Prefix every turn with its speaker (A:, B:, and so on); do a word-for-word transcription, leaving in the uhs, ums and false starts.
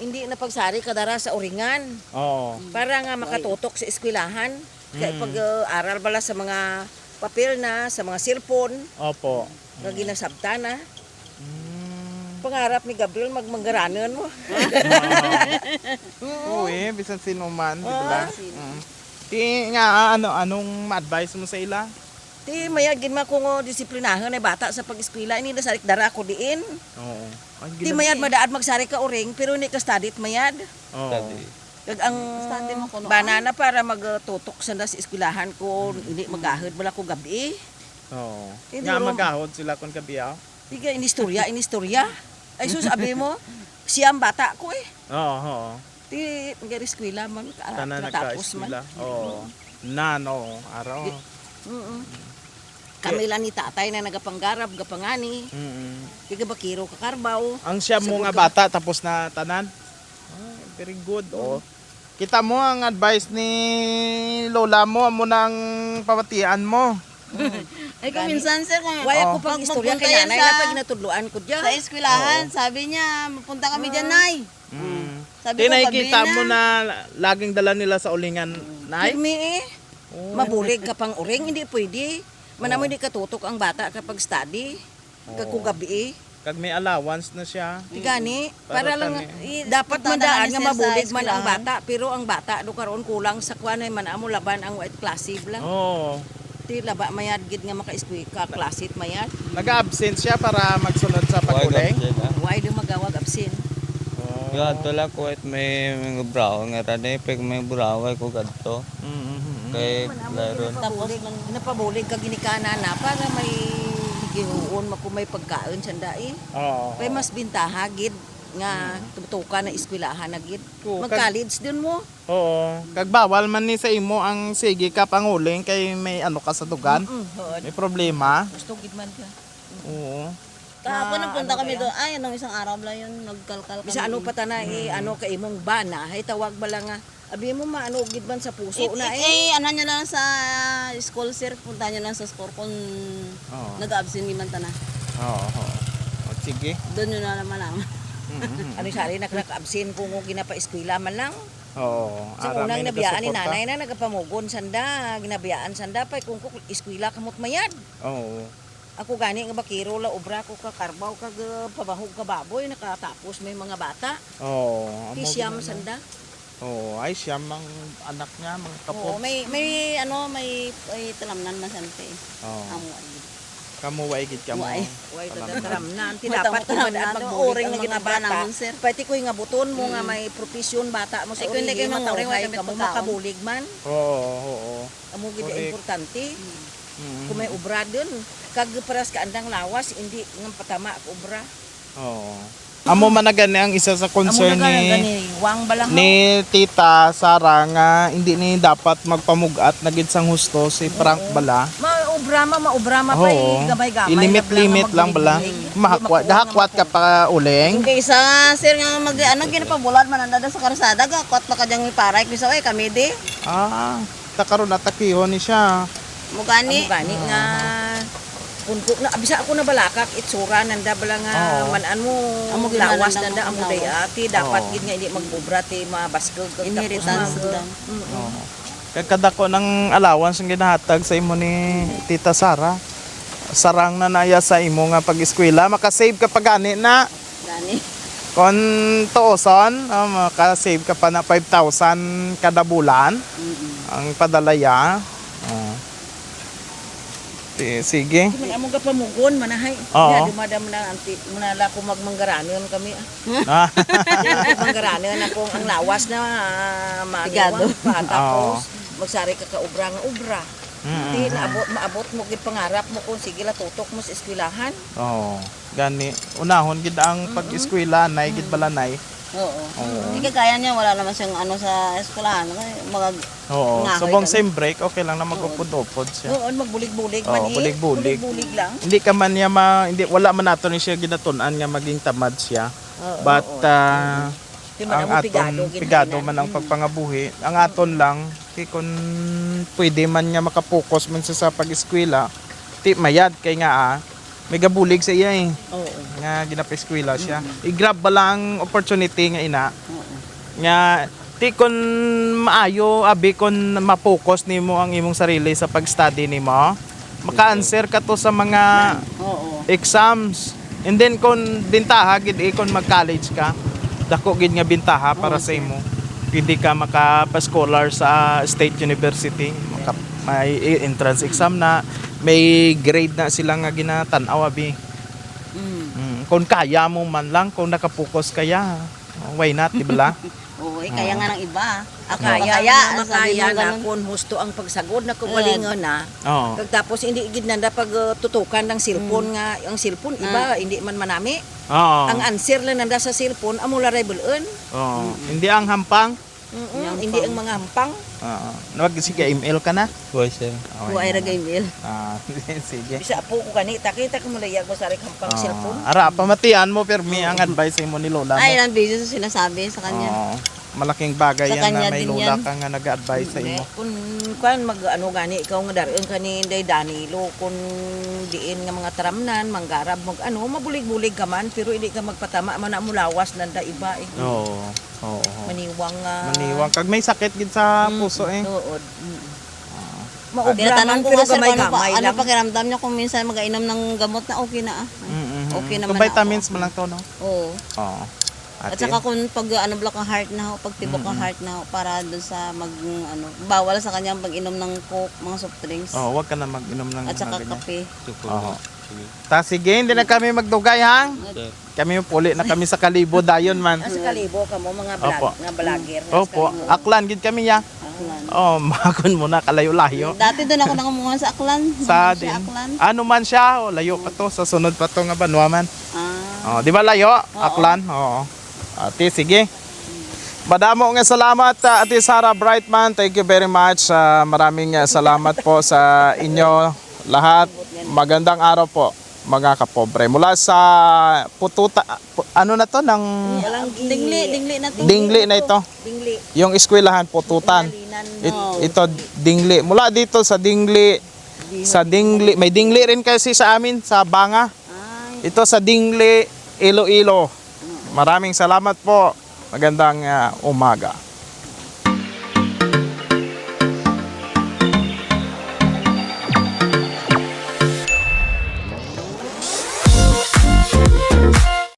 A: hindi na pagsari kadara sa uringan.
B: Oo.
A: Para nga makatutok sa eskwelahan. Kaya
B: Mm.
A: pag uh, aral bala sa mga papel na, sa mga cellphone,
B: Opo.
A: nga ginasabta na.
B: Mm.
A: Pangarap ni Gabriel magmanggaranon mo.
B: Oo eh, bisan sino man, di
A: Oo,
B: ba? Mm. Di nga, ano, anong ma-advise mo sa ila?
A: Ti mayad gid ma ko ngo disiplinahan ay bata sa pag-eskwela ini na sarik dara ko diin.
B: Oo. Ay,
A: Ti
B: gila-
A: mayad madaad magsari ka uring pero ni ka study mayad.
B: Oo.
A: Kag ang
C: Study mo kuno,
A: banana para magtutok sa na sa eskwelahan ko hindi magahod bala ko gabi.
B: Oo.
A: Hindi
B: Nga
A: ro-
B: magahod sila kung kabiyaw.
A: Tiga inistorya inistorya. Ay sus sabi mo siyam bata ko eh.
B: Oo, oo.
A: Ti magari eskwela man ka
B: Tanan
A: tapos man.
B: nagka-eskwela. Oo. Nan, oo. Araw.
A: Mm. Kami lang ni tatay na nagapanggarab gapangani.
B: Mm.
A: Tiga bakiro ka karbaw.
B: Ang siya mo
A: Sabog
B: nga
A: ka.
B: bata tapos na tanan. Ah, very good. Oh. Kita mo ang advice ni lola mo, amo nang pamatian mo.
C: Ay kung minsan sir, kung
A: Why ako
B: Oh.
A: pag
C: pag
A: istorya
C: magpunta
A: kay
C: yan
A: nanay
C: sa-
A: na pag inatudloan ko diyan.
C: sa eskwelahan, sabi niya, mapunta kami dyan, Nay.
B: Mm.
C: Sabi
B: Di
C: ko,
B: nakikita
C: gabi
B: mo na laging dala nila sa ulingan, nay?
A: Pirmi eh.
B: Oh.
A: Mabulig ka pang uring, hindi pwede. Manamo hindi katutok ang bata kapag study. Kag kung gabi eh.
B: Kag may allowance na siya.
A: Tigani,
B: Para
A: para lang
B: tani-
A: eh, dapat
C: Punta na
A: mandaan
C: ni
A: nga
C: sir sa
A: mabulig man ang
C: eskwelahan.
A: bata, pero ang bata do karon kulang sa kuan ay man amo laban ang white classic lang.
B: Oo.
A: Ti laba mayad gid nga maka-eskwela ka classic mayad.
B: Nag-absent siya para magsunod sa paguling.
A: Why do magawag absent?
B: Oo.
D: Ya itulah kuat may mga braw nga tadi pag may braway ko gadto
B: Mm-hmm.
D: kay laro
A: Tapos napabulig kag ginikana na para may gihuon mako may pagkaon sanda eh.
B: Oo.
A: Kay mas bintaha gid nga tutukan na eskwelahan na gid.
B: Oo,
A: Mag-college din mo.
B: Oo. Kag bawal man ni sa imo ang sige ka panguling kay may ano ka sa dugan.
A: Mm, hood.
B: May problema.
A: Gusto gid man ka.
B: Oo.
C: Kahapon
A: Na
C: nagpunta
A: ano
C: kami
A: kaya?
C: doon. Ay, anong isang araw lang yun, nagkalkal kami.
A: Bisa ano pa ta na eh, ano kay imong bana, hay tawag bala nga. Abi mo maano gid man sa puso
C: It,
A: na
C: it,
A: eh.
C: eh, ano nyo lang sa school, sir. Punta nyo lang sa school kung
B: Oo.
C: nag-absent ni Mantana.
B: Oo. oo. O, sige.
C: Doon nyo na naman lang.
B: Mhm.
A: Ano sari nakaka-absent kung ginapa eskwela man lang.
B: Oo.
A: Sa
B: ara,
A: unang
B: may
A: nabiyaan ni
B: nagasuporta.
A: nanay na nagapamugon sanda, ginabiyaan sanda pa kung kung eskwela kamot mayad.
B: Oo.
A: Ako gani nga bakiro la obra ko ka karbaw kag uh, pabahog ka baboy nakatapos may mga bata.
B: Oo. amo
A: Kisyam
B: gid na.
A: sanda.
B: Oo. Ay siya mang anak niya, mga
C: Oo,
B: kapo.
C: may, may, ano, may, may talamnan masante.
B: Oo.
C: Amo, ay.
B: Kamu way gid kamo.
C: Way.
A: Way
B: Alam
A: tataram na. Ti
C: May
A: dapat
C: tamo-tamo
A: kumadaan
C: na.
A: magbulig
C: Uring
A: ang
C: na
A: mga
C: ginaba
A: bata.
C: naman, sir.
A: Pati ko nga buton mo nga may profesyon bata mo sa
C: Ay, kung hindi
A: urigi
C: kayo manguring,
A: matawhay
C: wala
A: ka
C: kami
A: mo
C: pagkaon.
A: makabulig man.
B: Oo. Oo.
A: Amo gid
B: Correct.
A: importante.
B: Mhm.
A: Kung may obra dun, kag paras ka andang lawas hindi nga patama ang obra.
B: Oo. Amo man na gani ang isa sa concern
A: Amo na
B: ni
A: gani wang balang
B: ni Tita Sara nga hindi ni dapat magpamugat na gid sang husto si Frank bala.
A: maobra ma maobra ma pa
B: Oo.
A: gamay-gamay.
B: I-limit-limit lang bala. Mahakwat, gahakwat ka pa uling.
C: Yung kaysa, sir, nga mag, ano, ginapabulan man ang dada sa karsada, gakot pa ka dyang iparay. Bisa, ay, kami di.
B: Ah, takaron natakihon ni siya.
C: Mugani.
A: Amo gani nga punto na bisa ako na balakak itsura nanda bala nga
B: Oo.
A: manan mo
C: Amo gid
A: lawas
C: manandang
A: nanda amo
C: lawas.
A: day ati dapat
B: Oo.
A: gid nga hindi magobra ti mabasgog kag
C: Inheritance lang.
B: Oo. Kaya kadako ng allowance ang ginahatag sa imo ni Tita Sara. Sarang na naya sa imo nga pag-eskwela, makasave ka pa gani na.
C: Gani.
B: Kung tuoson, uh, makasave ka pa na five thousand kada bulan ang padalaya. Oh. Ti- Sige.
A: man amo ga pamugon manahay
B: Oo.
A: ya dumadam na anti manala ko magmanggaranon kami
B: Ah.
A: ah manggaranon akong ang lawas na uh,
C: Tigado.
A: pa tapos magsari ka ka obra nga obra.
B: Mm.
A: Di naabot maabot mo gid pangarap mo kung sige la tutok mo sa eskwelahan.
B: Oo. Gani. Unahon gid ang pag-eskwela, nay gid balanay.
C: Oo.
B: Oo.
C: Hindi kagaya niya, wala naman siyang ano sa eskwelahan. Mga,
B: Oo.
C: Ngahoy
B: Subong
C: kami.
B: sem break, okay lang na mag-upod-upod siya.
A: Oo, magbulig-bulig
B: Oo,
A: man eh.
B: bulig-bulig.
A: Bulig-bulig lang.
B: Hindi ka man niya ma, hindi wala man nato ni siya ginatunan nga maging tamad siya.
A: Oo,
B: But
A: oo.
B: ah,
A: Di man
B: ang
A: amo
B: aton
A: pigado,
B: pigado
A: ginhainan.
B: man ang pagpangabuhi. Ang aton lang kay kun pwede man nga makapokus man siya sa pag-eskwela, ti mayad kay nga ah, may gabulig sa iya eh.
A: Oo.
B: nga ginapa-eskwela siya. I-grab ba lang opportunity nga ina. Nga ti kon maayo abi kon ma-focus nimo ang imong sarili sa pag-study nimo. Maka-answer ka to sa mga
C: Oo.
B: exams. And then kung bintaha gid eh, kung mag-college ka, dako gid nga bintaha para sa imo. Hindi ka makapa-scholar sa state university, maka may entrance exam na, may grade na sila nga ginatan-aw abi.
C: Mm.
B: Mm, kung kaya mo man lang, kung nakapokus kaya, why not, di ba?
C: Oo, eh, kaya nga ng iba. Ako
A: Kaya,
C: kaya,
A: na
C: sabi
A: makaya
C: mo
A: na
C: ganun.
A: kung husto ang pagsagod na kumalingon na.
B: Oo.
A: Kag tapos hindi gid nanda pag uh, tutukan ng cellphone nga ang cellphone iba hindi man manami.
B: Oo.
A: Ang answer lang nanda sa cellphone amo la rebelon.
B: Oo. Hindi ang hampang.
A: Mm-mm, hindi ang mga hampang.
B: Oo. Nawag sige email ka na.
D: Boy, sir.
C: Kuha ay ragay mail.
B: Ah, sige.
A: Bisa po ko kanita kita ko malayag mo sa rik hampang cellphone.
B: Ah, ara pamatian mo permi ang advice mo ni lola mo.
C: Ay, lang busy sa sinasabi sa kanya.
B: Oo. Malaking bagay
C: Sa
B: yan
C: kanya
B: na may
C: din
B: lola
C: yan.
B: ka nga nag-advise sa imo.
A: Kung kan mag ano gani ikaw nga daron kani day Danilo kun diin nga mga taramnan manggarab mag ano mabulig-bulig ka man pero hindi ka magpatama man na mulawas nanda iba eh.
B: Oo. Oo.
A: Maniwang uh,
B: Maniwang kag may sakit gid sa puso eh.
A: Tuod.
C: Tinatanong
A: Maugraman
C: ko
A: pero
C: nga sir, kung ano, pa,
A: gamay-gamay
C: ano
A: lang.
C: pakiramdam niya kung minsan mag-ainom ng gamot na okay na ah.
B: Mm-mm.
C: Okay
B: Kung
C: naman
B: vitamins mo lang to no.
C: Oo.
B: Oo.
C: At
B: Ate.
C: saka kung pag ano block ang heart na ho, pag tibok ang heart na ho, para doon sa mag ano, bawal sa kanya pag-inom ng coke, mga soft drinks.
B: Oh, wag ka na mag-inom ng
C: At saka
B: mga ganyan.
C: kape.
B: Oo. Ta sige, hindi na kami magdugay hang.
D: Sir.
B: Kami puli na kami sa Kalibo dayon man.
A: Sa kalibo ka mo mga vlog,
B: Opo.
A: nga vlogger.
B: Opo, aklan gid kami ya.
C: Aklan.
B: Oh, makon mo na kalayo-layo.
C: Dati doon ako nakumuha sa Aklan.
B: Sa
C: Doon
B: din.
C: siya Aklan.
B: Ano man siya, oh, layo pa to sa sunod pa to nga Banwa man.
C: Ah.
B: Oh, di ba layo? Aklan. Oo. Ate, sige. Madamo nga salamat uh, Ate Sara Brightman. Thank you very much. Uh, maraming uh, salamat po sa inyo lahat. Magandang araw po mga kapobre. Mula sa pututa, pu- ano na to ng
A: Walang
C: Dingli, dingli na to.
B: dingli na ito.
A: Dingli.
B: Yung eskwelahan pututan.
A: Linan.
B: It- ito dingli. Mula dito sa dingli, sa dingli, may dingli rin kasi sa amin sa Banga.
C: Ay.
B: Ito sa Dingli, Iloilo. Maraming salamat po. Magandang uh, umaga.